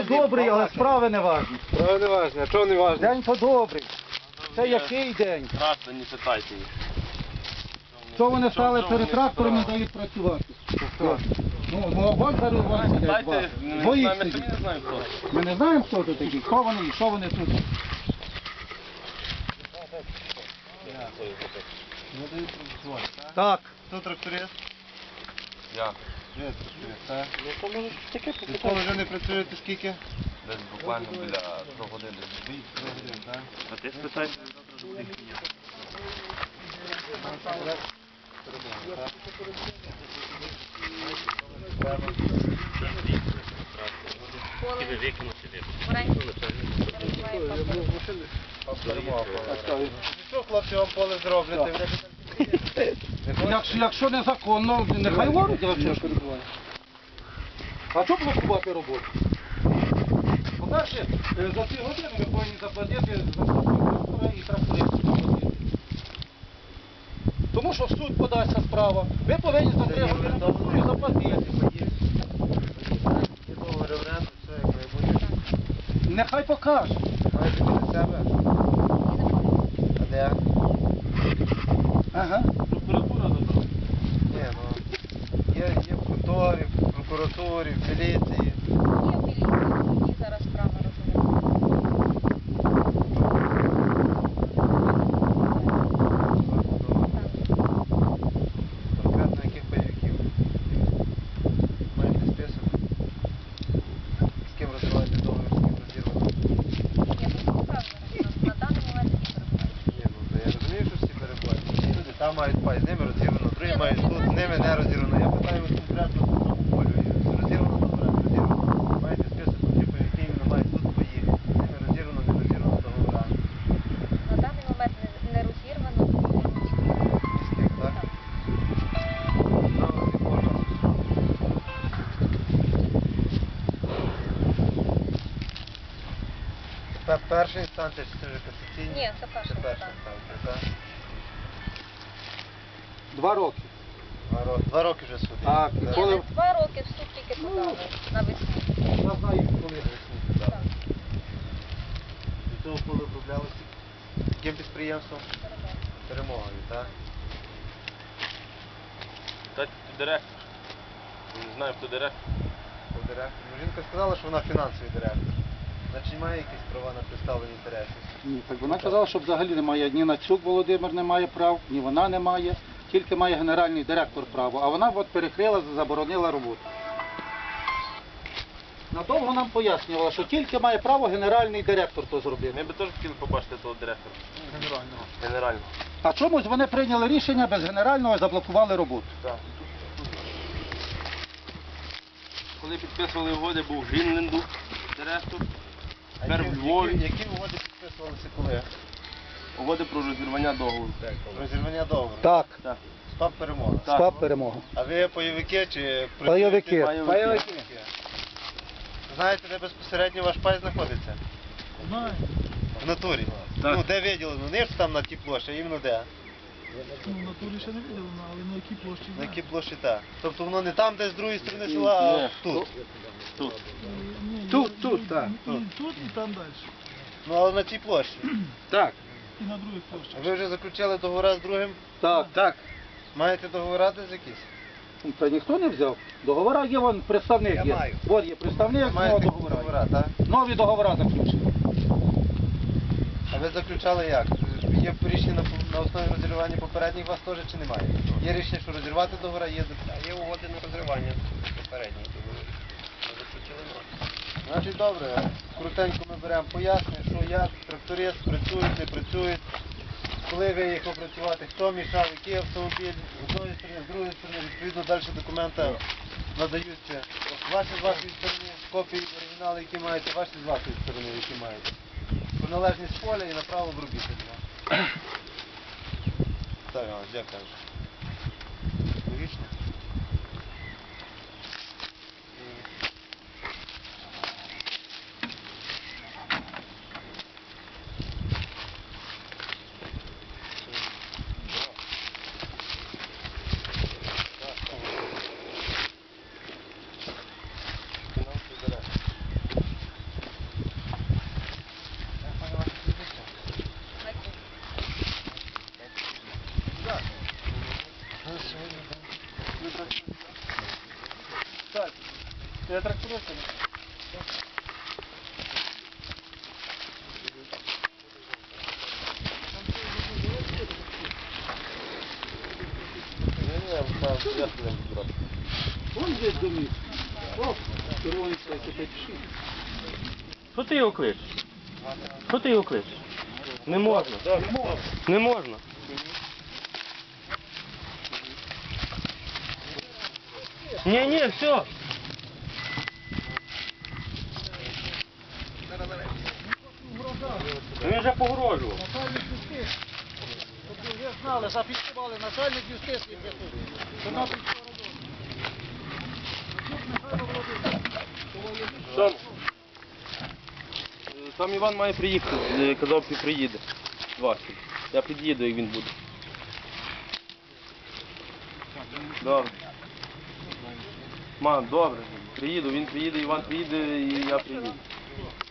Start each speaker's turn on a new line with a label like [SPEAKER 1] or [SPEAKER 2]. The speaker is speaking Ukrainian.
[SPEAKER 1] добрий, але справи не важні.
[SPEAKER 2] Справи не важні. А чого не важні?
[SPEAKER 1] День то добрий. Це який день?
[SPEAKER 3] Граждані, питайте їх.
[SPEAKER 1] Що вони стали перед трактором і дають працювати? Ну, вон зараз вон сидять два. Двоїх сидять. Ми не знаємо, хто тут такі, хто вони і що вони тут. Так.
[SPEAKER 2] Хто тракторист?
[SPEAKER 3] Я.
[SPEAKER 2] Ви тракторист, так? Відколи вже не працюєте скільки?
[SPEAKER 3] Десь буквально біля 3 години.
[SPEAKER 2] 3 години, так?
[SPEAKER 3] А ти спитай?
[SPEAKER 2] Що хлопці вам поле зроблять?
[SPEAKER 1] Якщо незаконно, нехай воруть, а що ж перебуває. А що блокувати роботу? По-перше, за ці години ви повинні заплатити за трактора і трактористів заплатити. Тому що в суд подасться справа. Ви повинні за 3 години заплатити. Нехай покаже.
[SPEAKER 2] Маєте біля себе? А де?
[SPEAKER 1] Ага.
[SPEAKER 3] Прокуратура додала.
[SPEAKER 2] Ні, ну, є в конторі, в прокуратурі, в міліції.
[SPEAKER 4] Є в міліції, зараз справа
[SPEAKER 2] Конкретно яких бойовиків? Маєте список? З ким розриваєте договір, з ким розірвати?
[SPEAKER 4] Я просто вказую, на даний момент не перебуваю.
[SPEAKER 2] Ні, ну, я розумію, що всі переплачені. Всі люди там мають пай, з ними розірвано, другі мають тут, з ними не розірвано. Я питаю вас конкретно по тому полю. Розірвано, добре, розірвано. Маєте список, які бойовики іменно мають тут поїхати. З ними розірвано, не розірвано договора.
[SPEAKER 4] На даний момент не розірвано.
[SPEAKER 2] Міських, так? Право з якого часу? Це перша інстанція чи це вже касаційна?
[SPEAKER 4] Ні, це перша
[SPEAKER 2] Це перша
[SPEAKER 4] інстанція.
[SPEAKER 2] інстанція, так?
[SPEAKER 1] 2 роки.
[SPEAKER 2] 2 роки вже суд.
[SPEAKER 1] Так, і
[SPEAKER 4] Ні,
[SPEAKER 1] коли...
[SPEAKER 4] не 2 роки в суд тільки подали навесні.
[SPEAKER 1] Я знаю, коли.
[SPEAKER 4] Так,
[SPEAKER 2] До цього поле оброблялося яким підприємством?
[SPEAKER 4] перебуваю.
[SPEAKER 2] Перемогою, так?
[SPEAKER 3] Питайте, хто директор. Я не знаю, хто директор.
[SPEAKER 2] Хто директор? Ну, жінка сказала, що вона фінансовий директор. Значить, має якісь права на представлення інтересів.
[SPEAKER 1] Ні, так вона казала, що взагалі немає, ні Нацюк Володимир не має прав, ні вона не має, тільки має генеральний директор право, а вона от перекрила, заборонила роботу. Надовго нам пояснювала, що тільки має право генеральний директор то зробити.
[SPEAKER 3] Ми би теж хотіли побачити того директора.
[SPEAKER 2] Генерального.
[SPEAKER 3] Генерально.
[SPEAKER 1] А чомусь вони прийняли рішення без генерального і заблокували роботу.
[SPEAKER 3] Так. Коли підписували угоди, був Грінленду директор. Тепер в Львові.
[SPEAKER 2] Які угоди підписувалися коли?
[SPEAKER 3] Угоди про розірвання договору.
[SPEAKER 2] Розірвання договору.
[SPEAKER 1] Так,
[SPEAKER 3] Так.
[SPEAKER 2] СПАП перемога.
[SPEAKER 3] Так.
[SPEAKER 1] СПАП перемога.
[SPEAKER 2] А ви бойовики чи...
[SPEAKER 1] Пайовики.
[SPEAKER 3] Пайовики.
[SPEAKER 2] Знаєте, де безпосередньо ваш пай знаходиться?
[SPEAKER 5] Знаю.
[SPEAKER 2] В натурі.
[SPEAKER 3] Так.
[SPEAKER 2] Ну, де виділено? Не ж там на тій площі, а іменно де?
[SPEAKER 5] Ну, в натурі ще не виділено, але на якій площі
[SPEAKER 2] На
[SPEAKER 5] знаю.
[SPEAKER 2] якій площі так. Тобто воно не там, де з другої сторони села, а
[SPEAKER 3] Ні.
[SPEAKER 2] тут.
[SPEAKER 3] Тут.
[SPEAKER 5] Ні,
[SPEAKER 1] Тут, так.
[SPEAKER 5] І тут, і там далі.
[SPEAKER 2] Ну, але на тій площі.
[SPEAKER 1] Так,
[SPEAKER 5] І на других площах.
[SPEAKER 2] А ви вже заключили договори з другим?
[SPEAKER 1] так.
[SPEAKER 2] Маєте договори десь якісь?
[SPEAKER 1] Та ніхто не взяв. Договора є, вон представник
[SPEAKER 2] Я
[SPEAKER 1] є.
[SPEAKER 2] маю.
[SPEAKER 1] От є представник, нового
[SPEAKER 2] Маєте
[SPEAKER 1] договора.
[SPEAKER 2] договори, так?
[SPEAKER 1] Нові договори заключені.
[SPEAKER 2] А ви заключали як? Є рішення на основі розірвання попередніх у вас теж чи немає? Є рішення, що розірвати договори, є
[SPEAKER 3] Є угоди на розривання попередніх договорів.
[SPEAKER 2] Значить, добре, крутенько ми беремо пояснення, що як тракторист працюють, не працюють, коли виїхав працювати, хто мішав, який автомобіль, з одної сторони, з другої сторони, відповідно далі документи надаються ваші з вашої сторони, копії оригіналу, які маєте, ваші з вашої сторони, які маєте. Приналежність поля і направо обробітельного. Так, Іванович, як кажеш? Логічно?
[SPEAKER 1] Вон здесь домик. Оп, червоний цей, це пиши.
[SPEAKER 3] Що ти його кличеш? Що ти його кличеш? Не можна. Не можна. Ні, все. Він вже погрожував.
[SPEAKER 1] Начальник юстиції. Тобто ви знали, зафіксували начальник юстиції. Що нам під що робити. Михайло Володимирович.
[SPEAKER 3] Там Іван має приїхати, казав, що приїде. Василь. Я під'їду, як він буде. Добре. Мам, добре. Приїду, він приїде, Іван приїде і я приїду.